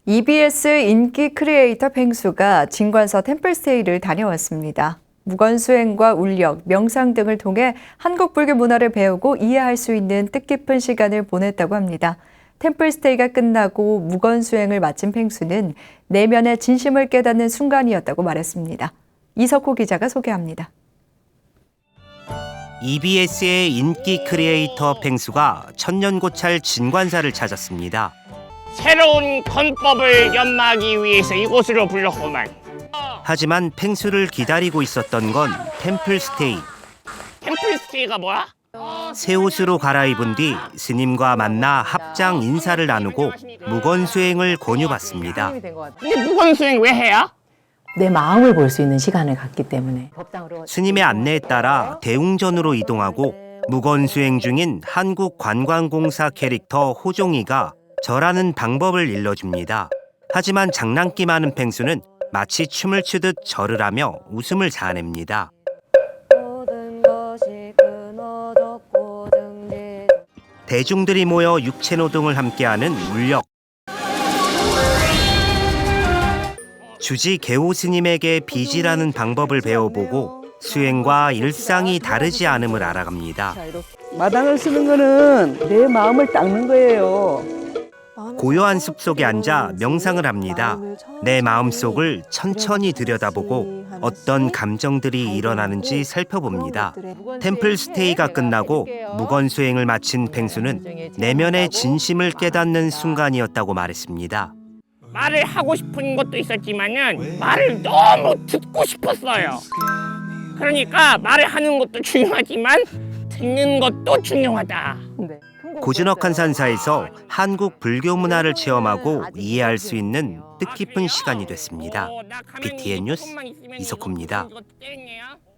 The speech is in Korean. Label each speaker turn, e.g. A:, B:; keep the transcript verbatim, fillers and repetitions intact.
A: 이비에스 인기 크리에이터 펭수가 진관서 템플스테이를 다녀왔습니다. 무건수행과 울력, 명상 등을 통해 한국 불교 문화를 배우고 이해할 수 있는 뜻깊은 시간을 보냈다고 합니다. 템플스테이가 끝나고 무건수행을 마친 펭수는 내면의 진심을 깨닫는 순간이었다고 말했습니다. 이석호 기자가 소개합니다.
B: 이비에스의 인기 크리에이터 펭수가 천년고찰 진관사를 찾았습니다.
C: 새로운 건법을 연마하기 위해서 이곳으로 불렀구만.
B: 하지만 펭수를 기다리고 있었던 건 템플스테이.
C: 템플스테이가 뭐야?
B: 새 옷으로 갈아입은 뒤 스님과 만나 합장 인사를 나누고 무건수행을 권유받습니다.
C: 근데 무건수행 왜 해야?
D: 내 마음을 볼 수 있는 시간을 갖기 때문에
B: 스님의 안내에 따라 대웅전으로 이동하고 무건수행 중인 한국관광공사 캐릭터 호종이가 절하는 방법을 일러줍니다. 하지만 장난기 많은 펭수는 마치 춤을 추듯 절을 하며 웃음을 자아냅니다. 대중들이 모여 육체노동을 함께하는 울력. 주지 개호 스님에게 빚이라는 방법을 배워보고 수행과 일상이 다르지 않음을 알아갑니다.
E: 마당을 쓰는 거는 내 마음을 닦는 거예요.
B: 고요한 숲속에 앉아 명상을 합니다. 내 마음속을 천천히 들여다보고 어떤 감정들이 일어나는지 살펴봅니다. 템플스테이가 끝나고 무건수행을 마친 펭수는 내면의 진심을 깨닫는 순간이었다고 말했습니다.
C: 말을 하고 싶은 것도 있었지만은 말을 너무 듣고 싶었어요. 그러니까 말을 하는 것도 중요하지만 듣는 것도 중요하다.
B: 고즈넉한 산사에서 한국 불교 문화를 체험하고 이해할 수 있는 뜻깊은 시간이 됐습니다.
C: 어, 나 가만히
B: 비티엔 뉴스
C: 조금만 있으면
B: 이석호입니다.
C: 이거 때리네요.